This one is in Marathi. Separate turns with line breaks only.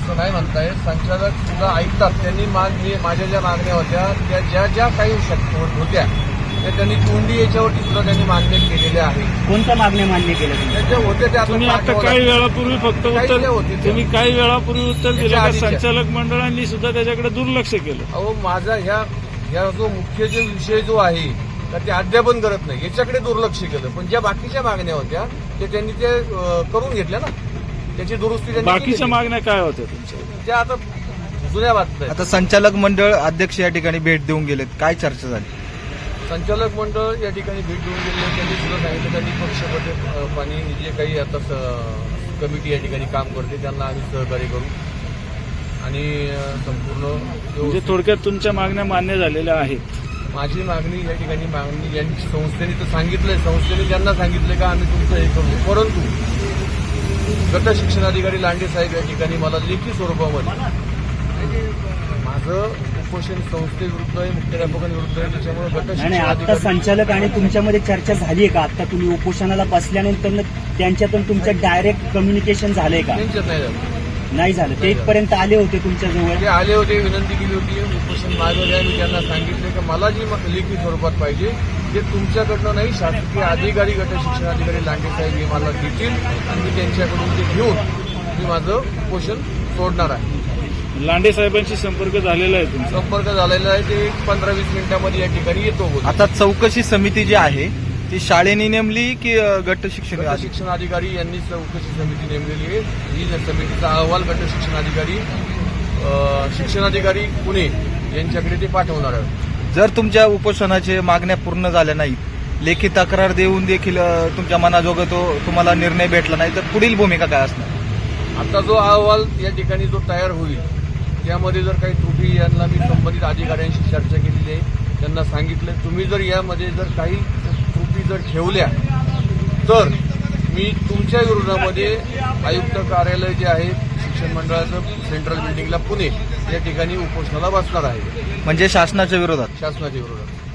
असं नाही म्हणताय. संचालक सुद्धा ऐकतात. त्यांनी माझ्या ज्या मागण्या होत्या त्या ज्या काही होत्या त्या त्यांनी तोंडी याच्यावरती सुद्धा त्यांनी मान्य केलेल्या आहेत.
कोणत्या मागण्या मान्य केल्या
त्या ज्या होत्या त्या
तुम्ही आता काही वेळापूर्वी फक्त तुम्ही काही वेळापूर्वी उत्तर दिलं का संचालक मंडळांनी सुद्धा त्याच्याकडे दुर्लक्ष केलं?
अहो माझा ह्या जो मुख्य जो विषय जो आहे तर ते अद्यापन करत नाही, याच्याकडे दुर्लक्ष केलं. पण ज्या बाकीच्या मागण्या होत्या ते त्यांनी ते करून घेतल्या ना, त्याची दुरुस्ती त्यांनी
बाकीच्या मागण्या काय होत्या तुमच्या?
त्या आता जुन्या बातम्या.
आता संचालक मंडळ अध्यक्ष या ठिकाणी भेट देऊन गेलेत, काय चर्चा झाली?
संचालक मंडळ या ठिकाणी भेट देऊन गेले. त्यांनी सुद्धा सांगितलं त्यांनी पक्षपते पाणी जे काही आता कमिटी या ठिकाणी काम करते त्यांना आम्ही सहकार्य करू आणि संपूर्ण
म्हणजे थोडक्यात तुमच्या मागण्या मान्य झालेल्या आहेत.
माझी मागणी या ठिकाणी यांनी संस्थेने तर सांगितलंय, संस्थेने त्यांना सांगितलं का आम्ही तुमचं हे करू. परंतु गट शिक्षणाधिकारी लांडे साहेब या ठिकाणी मला लेखी स्वरूपामध्ये माझं उपोषण संस्थेविरुद्ध आहे, मुख्याध्यापकांविरुद्ध आहे, त्याच्यामुळे गट
आता
शिक्षणाधिकारी
संचालक आणि तुमच्यामध्ये चर्चा झाली आहे का? आता तुम्ही उपोषणाला बसल्यानंतर त्यांच्यातून तुमचं डायरेक्ट कम्युनिकेशन झालंय का?
त्यांच्यात नाही झालं.
नाही झालं. ते इथपर्यंत आले होते तुमच्याजवळ?
ते आले होते, विनंती केली होती, उपोषण मागवले आहे. मी त्यांना सांगितले की मला जी लेखी स्वरूपात पाहिजे ते तुमच्याकडनं नाही, शासकीय अधिकारी गट शिक्षणाधिकारी लांडे साहेब हे मला देतील आणि मी त्यांच्याकडून ते घेऊन मी माझं उपोषण सोडणार आहे.
लांडे साहेबांशी संपर्क झालेला आहे तुमचा?
संपर्क झालेला आहे. ते 15-20 मिनिटांमध्ये या ठिकाणी येतो.
आता चौकशी समिती जी आहे ती शाळेने नेमली की गट
शिक्षणाधिकारी यांनी चौकशी समिती नेमलेली आहे. ही समितीचा अहवाल गट शिक्षणाधिकारी पुणे यांच्याकडे ते पाठवणार आहे.
जर तुमच्या उपोषणाचे मागण्या पूर्ण झाल्या नाहीत, लेखी तक्रार देऊन देखील तुमच्या मनाजोगं तो तुम्हाला निर्णय भेटला नाही तर पुढील भूमिका काय असणार?
आता जो अहवाल या ठिकाणी जो तयार होईल त्यामध्ये जर काही त्रुटी यांना मी संबंधित अधिकाऱ्यांशी चर्चा केलेली आहे. त्यांना सांगितलं तुम्ही जर यामध्ये जर काही त्रुटी जर ठेवल्या तर मी तुमच्या विरोधामध्ये आयुक्त कार्यालय जे आहे शिक्षण मंडळाचं सेंट्रल बिल्डिंगला पुणे या ठिकाणी उपोषणाला बसणार आहे.
म्हणजे शासनाच्या विरोधात?
शासनाच्या विरोधात.